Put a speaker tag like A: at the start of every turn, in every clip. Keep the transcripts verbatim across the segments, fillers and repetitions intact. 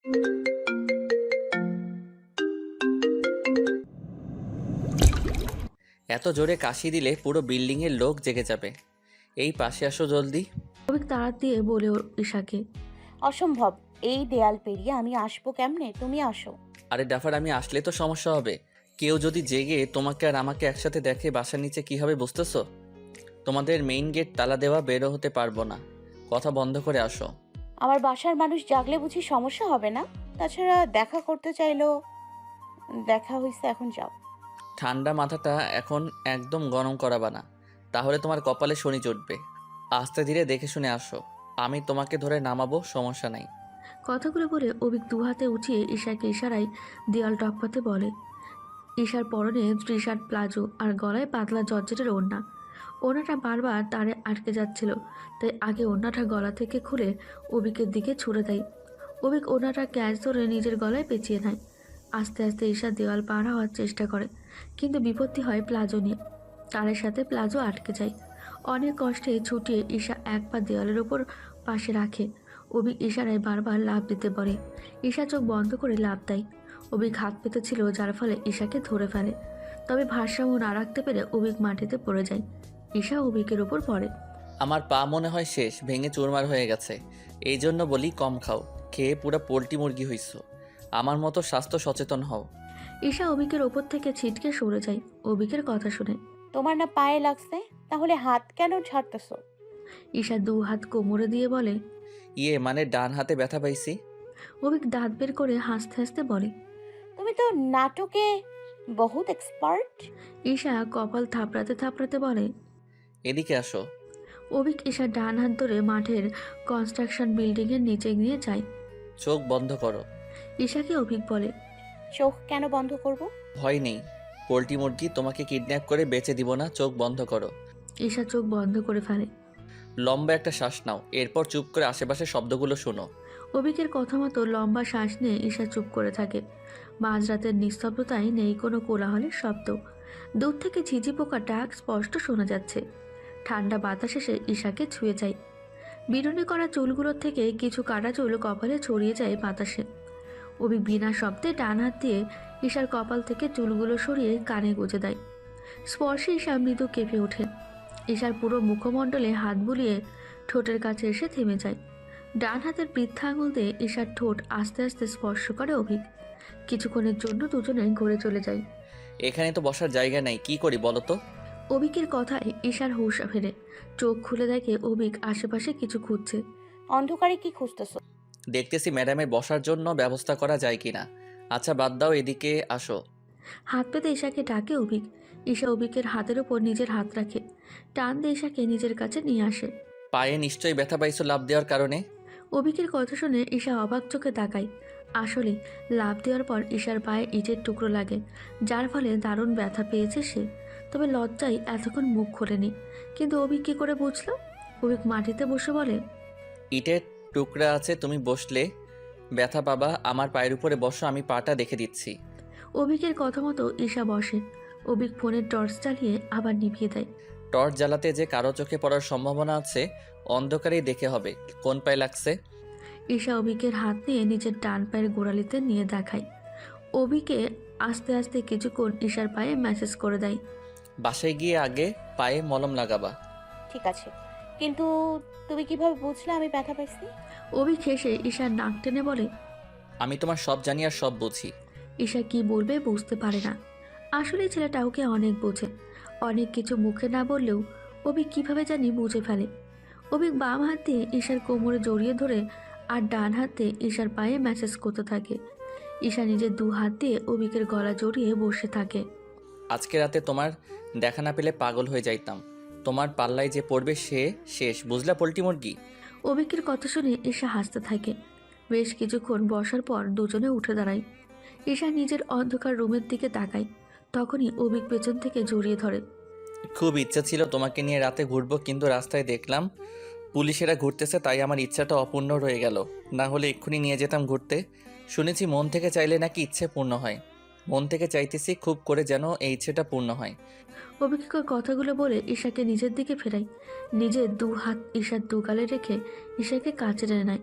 A: এত জোরে কাশি দিলে পুরো বিল্ডিংয়ের লোক জেগে যাবে। এই পাশে আসো জলদি।
B: অভিক তাড়া দিয়ে বলে ঈশাকে।
C: অসম্ভব, এই দেয়াল পেরিয়ে আমি আসবো কেমনে? তুমি আসো।
A: আরে ডাফার, আমি আসলে তো সমস্যা হবে। কেউ যদি জেগে তোমাকে আর আমাকে একসাথে দেখে বাসার নিচে কি হবে বুঝতেছো? তোমাদের মেইন গেট তালা দেওয়া, বেরো হতে পারবো না। কথা বন্ধ করে আসো।
C: আমার বাসার মানুষ জাগলে বুঝি সমস্যা হবে না? তাছাড়া দেখা করতে চাইলো, দেখা হয়েছে, এখন যাও।
A: ঠান্ডা মাথাটা এখন একদম গরম করাবা না, তাহলে তোমার কপালে শনি চড়বে। আস্তে ধীরে দেখে শুনে আসো, আমি তোমাকে ধরে নামাবো, সমস্যা নাই।
B: কথাগুলো বলে অভিক দু হাতে উঠিয়ে ঈশাকে ইশারায় দেয়াল টপকাতে বলে। ঈশার পরনে টি শার্ট, প্লাজো আর গলায় পাতলা জর্জেটের ওড়না। ওড়নাটা বারবার তারে আটকে যাচ্ছিল, তাই আগে ওড়নাটা গলা থেকে খুলে অভিকের দিকে ছুড়ে দেয়। অভিক ওড়নাটা ক্যাচ ধরে নিজের গলায় পেঁচিয়ে নেয়। আস্তে আস্তে ঈশা দেওয়াল পার হওয়ার চেষ্টা করে, কিন্তু বিপত্তি হয় প্লাজো নিয়ে। তারের সাথে প্লাজো আটকে যায়। অনেক কষ্টে ছুটিয়ে ঈশা এক পা দেওয়ালের ওপর পাশে রাখে। অভিক ইশারায় বারবার লাফ দিতে বলে। ঈশা চোখ বন্ধ করে লাফ দেয়। অভিক হাত পেতেছিল, যার ফলে ঈশাকে ধরে ফেলে। তবে ভারসাম্য না রাখতে পেরে অভিক মাটিতে পড়ে যায়। ঈশা অভিকের ওপর পড়ে।
A: আমার পা মনে হয় শেষ, ভেঙে চুরমার হয়ে গেছে। এই জন্য বলি কম খাও, খেয়ে পুরো পোলট্রি মুরগি হইছো। আমার মতো স্বাস্থ্য সচেতন হও।
B: ঈশা অভিকের ওপর থেকে ছিটকে সরে যায় অভিকের কথা শুনে।
C: তোমার না পায়ে লাগছে, তাহলে হাত কেন ছাড়তেছো?
B: ঈশা দু হাত কোমরে দিয়ে বলে।
A: ইয়ে মানে ডান হাতে ব্যথা পাইছি।
B: অভিক দাঁত বের করে হাসতে হাসতে বলে।
C: তুমি তো নাটকে বহুত এক্সপার্ট।
B: ঈশা কপাল থাপড়াতে থাপড়াতে বলে।
A: এদিকে আসো।
B: অভিক ঈশার ডান হাত ধরে মাঠের কনস্ট্রাকশন বিল্ডিংয়ের নিচে নিয়ে যায়।
A: চোখ বন্ধ করো।
B: ঈশাকে অভিক বলে।
C: চোখ কেন বন্ধ করব?
A: ভয় নেই, পোলট্রি মুরগি তোমাকে কিডন্যাপ করে বেচে দিব না, চোখ বন্ধ করো।
B: ঈশা চোখ বন্ধ করে ফেলে।
A: লম্বা একটা শ্বাস নাও, এরপর চুপ করে আশেপাশে শব্দগুলো শোনো।
B: অভিকের কথা মতো লম্বা শ্বাস নিয়ে ঈশা চুপ করে থাকে। মাঝরাতের নিস্তব্ধতায় নেই কোনো কোলাহলের শব্দ। দূর থেকে ঝিঝি পোকার ডাক স্পষ্ট শোনা যাচ্ছে। ঠান্ডা বাতাস এসে ঈশাকে ছুঁয়ে যায়। বিনুনি করা চুলগুলোর থেকে কিছু কাটা চুল কপালে ছড়িয়ে যায় বাতাসে। অভি বিনা শব্দে ডান হাত দিয়ে ঈশার কপাল থেকে চুলগুলো সরিয়ে কানে গুঁজে দেয়। স্পর্শে ঈশা মৃদু কেঁপে ওঠে। ঈশার পুরো মুখমণ্ডলে হাত বুলিয়ে ঠোঁটের কাছে এসে থেমে যায়। ডান হাতের বৃদ্ধা আঙুল দিয়ে ঈশার ঠোঁট আস্তে আস্তে স্পর্শ করে অভিক। কিছুক্ষণের জন্য দুজনে ঘুরে চলে যায়।
A: এখানে তো বসার জায়গা নাই, কি করি বলো তো?
B: অভিকের কথায় ঈশার হুঁশ ফেরে। চোখ খুলে দেখে অভিক আশেপাশে কিছু খুঁজছে।
C: অন্ধকারে কি খুঁজতেছো?
A: দেখতেছি ম্যাডামের বসার জন্য ব্যবস্থা করা যায় কিনা। আচ্ছা বাদ দাও, এদিকে আসো।
B: হাত পেতে ঈশাকে ডাকে অভিক। ঈশা অভিকের হাতের ওপর নিজের হাত রাখে। টান দিয়ে ঈশাকে নিজের কাছে নিয়ে আসে।
A: পায়ে নিশ্চয়ই ব্যথা পাইছো লাফ দেওয়ার কারণে।
B: অভিকের কথা শুনে ঈশা অবাক চোখে তাকায়। আসলে লাফ দেওয়ার পর ঈশার পায়ে ইটের টুকরো লাগে, যার ফলে দারুণ ব্যথা পেয়েছে সে। তবে লজ্জায় এতক্ষণ মুখ খোলেনি। কিন্তু অভিক কী করে বুঝলো? অভিক মাটিতে বসে বলে।
A: ইটের টুকরা আছে, তুমি বসলে ব্যথা পাবা। আমার পায়ের উপরে বসো, আমি পাটা দেখে দিচ্ছি।
B: অভিকের কথা মতো ঈশা বসে। অভিক ফোনের টর্চ চালিয়ে আবার নিভিয়ে দেয়।
A: টর্চ জ্বালাতে যে কারো চোখে পড়ার সম্ভাবনা আছে, অন্ধকারেই দেখে হবে কোন পায়ে লাগছে।
B: ঈশা অভিকের হাত নিয়ে নিজের ডান পায়ের গোড়ালিতে নিয়ে দেখায়। অভিকে আস্তে আস্তে কিছুক্ষণ ঈশার পায়ে ম্যাসেজ করে দেয়।
A: বাসায় গিয়ে আগে পায়ে মলম লাগাবা।
C: ঠিক আছে, কিন্তু তুমি কিভাবে বুঝলে আমি ব্যথা পাইছি?
B: অভিক হেসে ঈশার নাক টেনে বলে।
A: আমি তোমার সব জানি আর সব বুঝি।
B: ঈশা কি বলবে বুঝতে পারে না। আসলে ছেলেটা ওকে অনেক বোঝে। অনেক কিছু মুখে না বললেও অভিক কিভাবে জানি বুঝে ফেলে। অভিক বাম হাত দিয়ে ঈশার কোমরে জড়িয়ে ধরে আর ডান হাতে ঈশার পায়ে ম্যাসেজ করতে থাকে। ঈশা নিজের দু হাত দিয়ে অভিকের গলা জড়িয়ে বসে থাকে।
A: আজকে রাতে তোমার দেখা না পেলে পাগল হয়ে যাইতাম। তোমার পাল্লায় যে পড়বে সে শেষ, বুঝলা পোল্ট্রি মুরগি?
B: অভিকের কথা শুনে ঈশা হাসতে থাকে। বেশ কিছুক্ষণ বসার পর দুজনে উঠে দাঁড়ায়। ঈশা নিজের অন্ধকার রুমের দিকে তাকায়। তখনই অভিক পেছন থেকে জড়িয়ে ধরে।
A: খুব ইচ্ছা ছিল তোমাকে নিয়ে রাতে ঘুরবো, কিন্তু রাস্তায় দেখলাম পুলিশেরা ঘুরতেছে, তাই আমার ইচ্ছাটা অপূর্ণ রয়ে গেল। না হলে এক্ষুনি নিয়ে যেতাম ঘুরতে। শুনেছি মন থেকে চাইলে নাকি ইচ্ছে পূর্ণ হয়। মন থেকে চাইতেছি খুব করে যেন এই ইচ্ছেটা পূর্ণ হয়।
B: অভিজ্ঞর কথাগুলো বলে ঈশাকে নিজের দিকে ফেরায়। নিজের দু হাত ঈশার দু গালে রেখে ঈশাকে কাছে টেনে নেয়।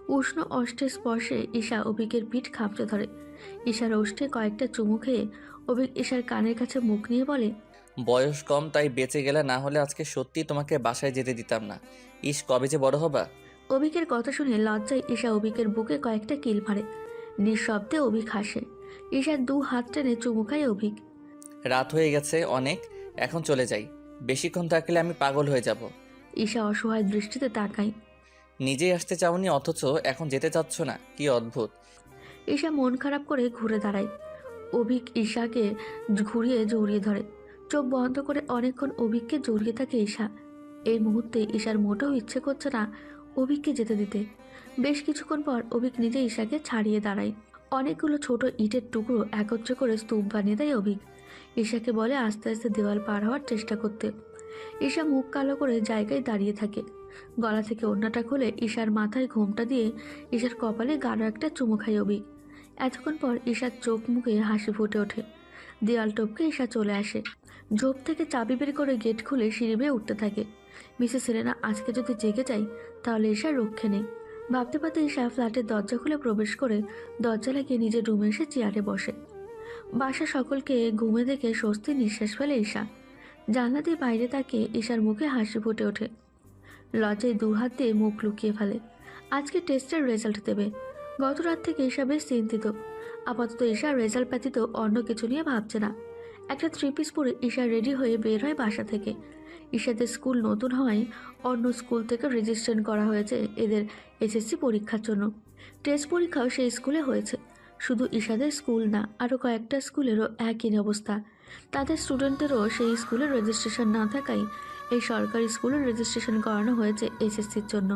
B: উষ্ণ অষ্টের স্পর্শে ঈশা অভিকের পিঠ খামচে ধরে। ঈশার ওষ্ঠে কয়েকটা চুমু খেয়ে অভিক ঈশার কানের কাছে মুখ নিয়ে বলে,
A: বয়স কম তাই বেঁচে গেলে, না হলে আজকে সত্যি তোমাকে বাসায় যেতে দিতাম না। ইস, কবে যে বড় হবা।
B: অভিকের কথা শুনে লজ্জায় ঈশা অভিকের বুকে কয়েকটা কিল মারে। নিঃশব্দে অভিক হাসে। ঈশার দু হাত টেনে চুমু খায় অভিক।
A: রাত হয়ে গেছে অনেক, এখন চলে যাই। বেশিক্ষণ থাকলে আমি পাগল হয়ে যাব।
B: ঈশা অসহায় দৃষ্টিতে তাকায়।
A: নিজেই আসতে চাওনি অথচ এখন যেতে চাচ্ছ না, কি অদ্ভুত।
B: ঈশা মন খারাপ করে ঘুরে দাঁড়ায়। অভিক ঈশাকে ঘুরিয়ে জড়িয়ে ধরে। চোখ বন্ধ করে অনেকক্ষণ অভিককে জড়িয়ে থাকে ঈশা। এই মুহূর্তে ঈশার মোটেও ইচ্ছে করছে না অভিককে যেতে দিতে। বেশ কিছুক্ষণ পর অভিক নিজে ঈশাকে ছাড়িয়ে দাঁড়ায়। অনেকগুলো ছোট ইটের টুকরো একত্র করে স্তূপ বানিয়ে দেয় অভিক। ঈশাকে বলে আস্তে আস্তে দেওয়াল পার হওয়ার চেষ্টা করতে। ঈশা মুখ কালো করে জায়গায় দাঁড়িয়ে থাকে। গলা থেকে ওড়নাটা খুলে ঈশার মাথায় ঘোমটা দিয়ে ঈশার কপালে গাঢ় একটা চুমু খায় অভিক। এতক্ষণ পর ঈশার চোখ মুখে হাসি ফুটে ওঠে। দেয়াল টপকে ঈশা চলে আসে। ঝোপ থেকে চাবি বের করে গেট খুলে সিঁড়ি বেয়ে উঠতে থাকে। মিসেস সেলেনা আজকে যদি জেগে যায় তাহলে ঈশার রক্ষে নেই। ভাবতে ভাবতে ঈশা ফ্ল্যাটের দরজা খুলে প্রবেশ করে দরজা লাগিয়ে নিজের রুমে এসে চেয়ারে বসে। বাসা সকলকে ঘুমে দেখে স্বস্তির নিঃশ্বাস ফেলে ঈশা। জানলা দিয়ে বাইরে তাকিয়ে ঈশার মুখে হাসি ফুটে ওঠে। লজ্জায় দু হাত দিয়ে মুখ লুকিয়ে ফেলে। আজকে টেস্টের রেজাল্ট দেবে। গত রাত থেকে ঈশা বেশ চিন্তিত। আপাতত ঈশা রেজাল্ট ব্যতীত অন্য কিছু নিয়ে ভাবছে না। একটা থ্রি পিস পরে ঈশা রেডি হয়ে বের হয় বাসা থেকে। ঈশাদের স্কুল নতুন হওয়ায় অন্য স্কুল থেকে রেজিস্ট্রেশন করা হয়েছে এদের এসএসসি পরীক্ষার জন্য। টেস্ট পরীক্ষাও সেই স্কুলে হয়েছে। শুধু ঈশাদের স্কুল না, আরও কয়েকটা স্কুলেরও একই অবস্থা। তাদের স্টুডেন্টেরও সেই স্কুলে রেজিস্ট্রেশন না থাকায় এই সরকারি স্কুলে রেজিস্ট্রেশন করানো হয়েছে এসএসসির জন্য।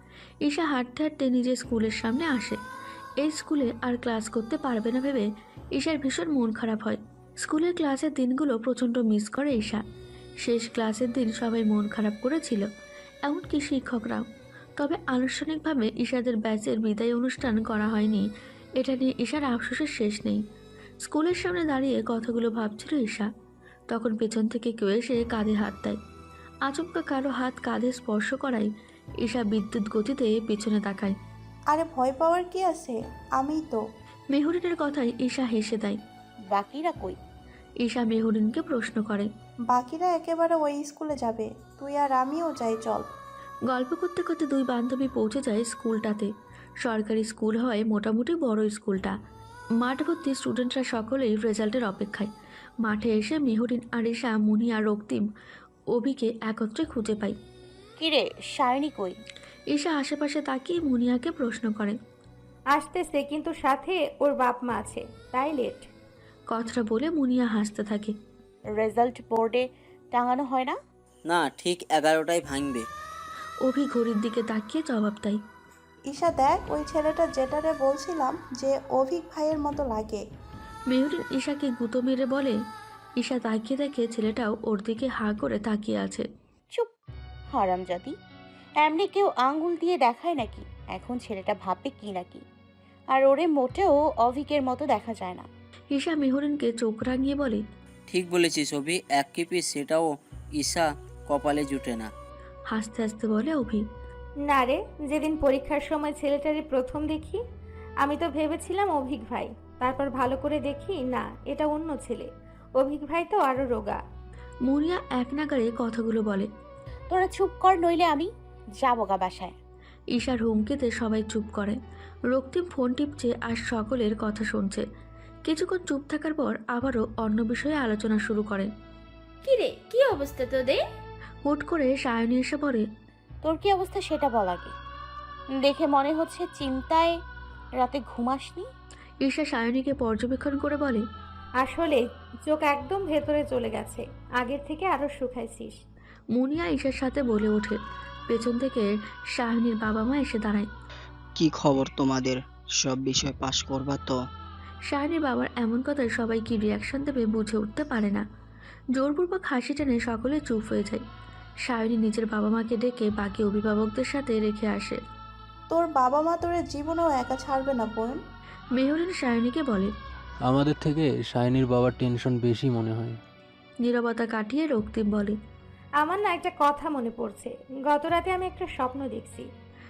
B: ঈশা হাঁটতে হাঁটতে নিজের স্কুলের সামনে আসে। এই স্কুলে আর ক্লাস করতে পারবে না ভেবে ঈশার ভীষণ মন খারাপ হয়। স্কুলের ক্লাসের দিনগুলো প্রচণ্ড মিস করে ঈশা। শেষ ক্লাসের দিন সবাই মন খারাপ করেছিল, এমনকি শিক্ষকরাও। তবে আনুষ্ঠানিকভাবে ঈশাদের ব্যাচের বিদায় অনুষ্ঠান করা হয়নি। এটা নিয়ে ঈশার আফসোসের শেষ নেই। স্কুলের সামনে দাঁড়িয়ে কথাগুলো ভাবছিল ঈশা। তখন পেছন থেকে কেউ এসে কাঁধে হাত দেয়। আচমকা কারো হাত কাঁধে স্পর্শ করায় ঈশা বিদ্যুৎ গতিতে পেছনে তাকায়।
D: আরে ভয় পাওয়ার কি আছে, আমিই তো।
B: মেহরিনের কথায় ঈশা হেসে দেয়।
C: বাকিরা কই?
B: ঈশা মেহরিনকে প্রশ্ন করে।
D: বাকিরা একেবারে ওই স্কুলে যাবে, তুই আর আমিও যাই, চল।
B: গল্প করতে করতে দুই বান্ধবী পৌঁছে যায় স্কুলটাতে। সরকারি স্কুল হয়, মোটামুটি বড় স্কুলটা। মাঠ ভর্তি স্টুডেন্টরা সকলেই রেজাল্টের অপেক্ষায়। মাঠে এসে মেহরিন আর ঈশা, মুনিয়া, রক্তিম, অভিকে একত্রে খুঁজে পায়।
C: কিরে, সায়নী কই?
B: ঈশা আশেপাশে তাকিয়ে মুনিয়াকে প্রশ্ন করে।
E: আসতেছে, কিন্তু সাথে ওর বাপ মা আছে, তাই লেট।
B: কথাটা বলে মুনিয়া হাসতে থাকে।
C: রেজাল্ট বোর্ডে টাঙানো হয় না?
F: না, ঠিক এগারোটায় ভাঙবে।
B: অভি ঘড়ির দিকে তাকিয়ে জবাব দেয়।
D: ঈশা দেখ, ওই ছেলেটা যেটারে বলছিলাম যে অভিক ভাইয়ের মতো লাগে।
B: মেহরিন ঈশাকে গুঁতো মেরে বলে। ঈশা তাকিয়ে দেখে ছেলেটাও ওর দিকে হাঁ করে তাকিয়ে আছে।
C: চুপ, হারামজাদি। এমনি কেউ আঙ্গুল দিয়ে দেখায় নাকি? এখন ছেলেটা ভাববে কি নাকি। আর ওরে মোটেও অভিকের মতো দেখা যায় না।
B: ঈশা মেহরিনকে চোখ রাঙিয়ে বলে।
F: ঠিক বলেছিস অভি, এক কিপি সেটাও ঈশা কপালে জুটে না।
B: হাসতে হাসতে বলে অভি।
E: না রে, যেদিন পরীক্ষার সময় ছেলেটারে প্রথম দেখি আমি তো ভেবেছিলাম অভিক ভাই, তারপর ভালো করে দেখি না, এটা অন্য ছেলে। অভিক ভাই তো আরো রোগা।
B: মুনিয়া এক নাগারে কথাগুলো বলে।
C: তোরা চুপ কর, নইলে আমি যাবো গা বাসায়।
B: ঈশার হুমকিতে সবাই চুপ করে। রক্তিম ফোন টিপছে আর সকলের কথা শুনছে। কিছুক্ষণ চুপ থাকার পর আবারও অন্য বিষয়ে আলোচনা শুরু করে।
G: কিরে, কি অবস্থা তোদের?
B: হুট করে সায়নী এসে পড়ে।
C: তোর কি অবস্থা সেটা বল আগে। দেখে মনে হচ্ছে চিন্তায় রাতে ঘুমাসনি।
B: ঈশা সায়নীকে পর্যবেক্ষণ করে বলে।
E: আসলে চোখ একদম ভেতরে চলে গেছে, আগের থেকে আরো শুকাইছিস।
B: মুনিয়া ঈশার সাথে বলে ওঠে। পেছন থেকে সায়নীর বাবা মা এসে দাঁড়ায়।
H: কি খবর তোমাদের? সব বিষয় পাশ করবা তো?
B: সায়নীর বাবার এমন কথায় সবাই কি রিয়াকশন দেবে বুঝে উঠতে পারে না। জোরপূর্বক হাসি টেনে সকলে চুপ হয়ে যায়। সায়নী নিজের বাবা মাকে ডেকে বাকি অভিভাবকদের সাথে রেখে আসে।
D: তোর বাবা মা তোর জীবনেও একা ছাড়বে না বোন।
B: মেহরিন সায়নীকে বলে।
I: আমাদের থেকে সায়নীর বাবার টেনশন বেশি মনে হয়।
B: নীরবতা কাটিয়ে রক্তিম বলে।
E: আমার না একটা কথা মনে পড়ছে, গত রাতে আমি একটা স্বপ্ন দেখছি।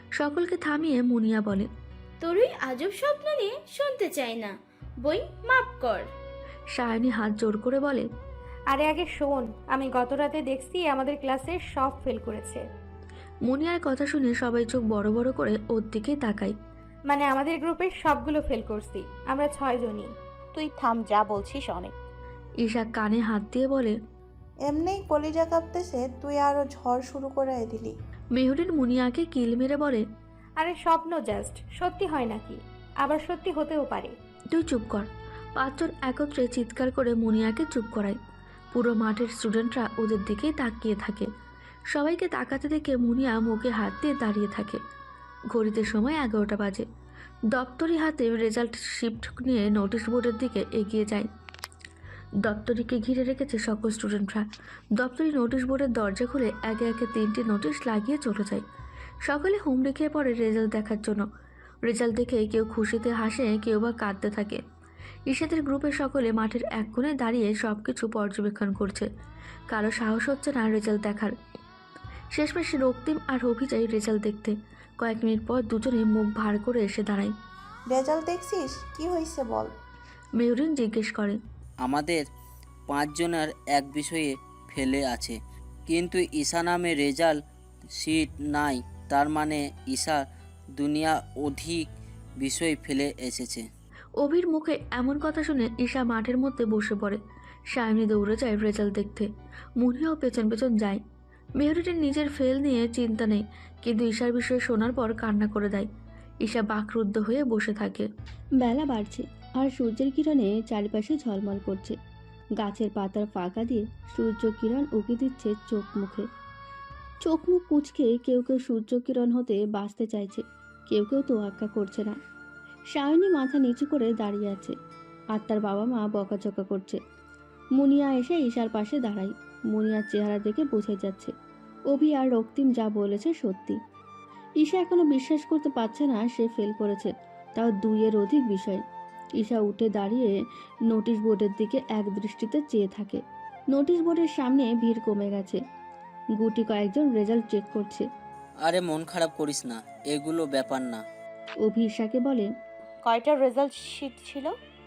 B: সকলকে থামিয়ে মুনিয়া বলে,
G: তোর ওই আজব স্বপ্ন নিয়ে শুনতে চাই না। বই মাপ কর।
B: সায়নী হাত জোর করে বলে,
E: আরে আগে শোন, আমি গত রাতে দেখছি আমাদের ক্লাসের সব ফেল করেছে।
B: মুনিয়ার কথা শুনে সবাই চোখ বড় বড় করে ওর দিকে তাকায়।
E: মানে আমাদের গ্রুপের সবগুলো ফেল করছি, আমরা ছয়জনই।
C: তুই থাম, যা বলছিস অনেক।
B: ঈশা কানে হাত দিয়ে বলে,
D: এমনিই কলিজা কাঁপতেছে, তুই আরো ঝড় শুরু করে দিলি।
B: মেহরিন মুনিয়াকে কিল মেরে বলে,
E: আরে স্বপ্ন জাস্ট, সত্যি হয় নাকি? আবার সত্যি হতেও পারে।
B: তুই চুপ কর। পাঁচজন একত্রে চিৎকার করে মুনিয়াকে চুপ করায়। পুরো মাঠের স্টুডেন্টরা ওদের দিকেই তাকিয়ে থাকে। সবাইকে তাকাতে দেখে মুনিয়া মুখে হাত দিয়ে দাঁড়িয়ে থাকে। ঘড়িতে সময় এগারোটা বাজে। দপ্তরি হাতে রেজাল্ট শিফট নিয়ে নোটিশ বোর্ডের দিকে এগিয়ে যায়। দপ্তরিকে ঘিরে রেখেছে সকল স্টুডেন্টরা। দপ্তরি নোটিশ বোর্ডের দরজা খুলে একে একে তিনটি নোটিশ লাগিয়ে চলে যায়। সকলে হুমড়ি খেয়ে পড়ে রেজাল্ট দেখার জন্য। রেজাল্ট দেখে কেউ খুশিতে হাসে, কেউ বা কাঁদতে থাকে। ঈশাদের গ্রুপের সকলে মাঠের এক কোণে দাঁড়িয়ে সব কিছু পর্যবেক্ষণ করছে। কারো সাহস হচ্ছে না রেজাল্ট দেখার। শেষমেশ রক্তিম আর অভিজয় রেজাল্ট দেখতে। কয়েক মিনিট পর দুজনে মুখ ভার করে এসে দাঁড়ায়।
D: রেজাল্ট দেখছিস, কি হয়েছে বল।
B: মেহরিন জিজ্ঞেস করে,
F: আমাদের পাঁচজনের এক বিষয়ে ফেলে আছে, কিন্তু ঈশা নামে রেজাল্ট শিট নাই। তার মানে ঈশা দুনিয়া অধিক বিষয় ফেলে এসেছে।
B: অভির মুখে এমন কথা শুনে ঈশা মাঠের মধ্যে বসে পড়ে। সায়নী দৌড়ে যায় রেজাল্ট দেখতে। মুনিয়াও পেছন পেছন যায়। মেহরিনের নিজের ফেল নিয়ে চিন্তা নেই, কিন্তু ঈশার বিষয়ে শোনার পর কান্না করে দেয়। ঈশা বাকরুদ্ধ হয়ে বসে থাকে।
J: বেলা বাড়ছে আর সূর্যের কিরণে চারিপাশে ঝলমল করছে। গাছের পাতার ফাঁকা দিয়ে সূর্য কিরণ উকি দিচ্ছে চোখ মুখে। চোখ মুখ কুঁচকে কেউ কেউ সূর্য কিরণ হতে বাঁচতে চাইছে, কেউ কেউ তোয়াক্কা করছে না। সায়নী মাথা নিচু করে দাঁড়িয়ে আছে, আর তার বাবা মা বকাঝকা করছে। মুনিয়া এসে ঈশার পাশে দাঁড়ায়। মুনিয়ার চেহারা দেখে বোঝা যাচ্ছে অভি আর রক্তিম যা বলেছে সত্যি। ঈশা এখনো বিশ্বাস করতে পারছে না সে ফেল করেছে, তাও দুইয়ের অধিক বিষয়। ঈশা উঠে দাঁড়িয়ে নোটিশ বোর্ডের দিকে এক দৃষ্টিতে চেয়ে থাকে। নোটিশ বোর্ডের সামনে ভিড় কমে গেছে। গুটি কয়েকজন রেজাল্ট চেক করছে।
F: আরে মন খারাপ করিস না, এগুলো ব্যাপার না।
J: অভি ঈশাকে বলে,
C: কয়টা রেজাল্ট শিট ছিল?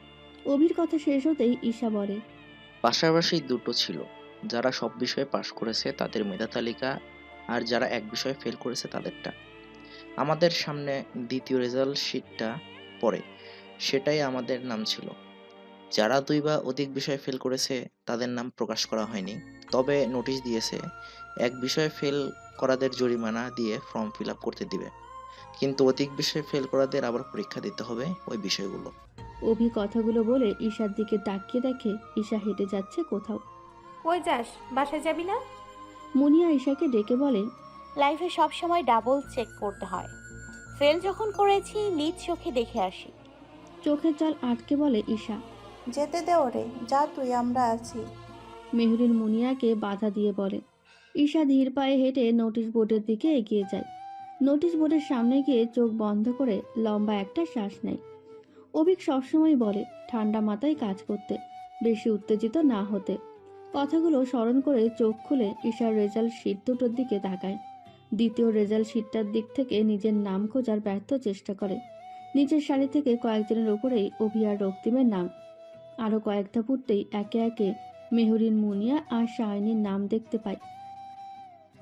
J: অভির কথা শেষ হতেই ঈশা বলে,
K: পাশাপাশি দুটো ছিল। যারা সব বিষয়ে পাশ করেছে তাদের মেধা তালিকা, আর যারা এক বিষয়ে ফেল করেছে তাদেরটা। আমাদের সামনে দ্বিতীয় রেজাল্ট শিটটা পড়ে, সেটাই আমাদের নাম ছিল। যারা দুই বা অধিক বিষয়ে ফেল করেছে তাদের নাম প্রকাশ করা হয়নি, তবে নোটিশ দিয়েছে এক বিষয়ে ফেল করাদের জরিমানা দিয়ে ফর্ম ফিল আপ করতে দিবে, কিন্তু অধিক বিষয়ে ফেল করাদের আবার পরীক্ষা দিতে হবে ওই বিষয়গুলো।
J: অভি কথাগুলো বলে ঈশার দিকে তাকিয়ে দেখে ঈশা হেঁটে যাচ্ছে কোথাও।
E: কই যাস? বাসায় যাবি না?
J: মুনিয়া ঈশাকে ডেকে বলে,
C: লাইফে সব সময় ডাবল চেক করতে হয়। ফেল যখন করেছি নিজ চোখে দেখে আসি।
J: চোখের জল আটকে বলে ঈশা।
D: যেতে দে ওরে, যা তুই, আমরা আছি।
J: মেহরিন মুনিয়াকে বাধা দিয়ে বলে। ঈশা ধীর পায়ে হেঁটে নোটিশ বোর্ডের দিকে এগিয়ে যায়। নোটিশ বোর্ডের সামনে গিয়ে চোখ বন্ধ করে লম্বা একটা শ্বাস নেয়। অভিক সবসময় বলে ঠান্ডা মাথায় কাজ করতে, বেশি উত্তেজিত না হতে। কথাগুলো স্মরণ করে চোখ খুলে ঈশার রেজাল্ট শিট দুটোর দিকে তাকায়। দ্বিতীয় রেজাল্ট শিটটার দিক থেকে নিজের নাম খোঁজার ব্যর্থ চেষ্টা করে। নিচের সারি থেকে কয়েকজনের ওপরেই অভি আর রক্তিমের নাম। আরও কয়েকটা ফুটতেই একে একে মেহরিন, মুনিয়া আর শায়নির নাম দেখতে পায়।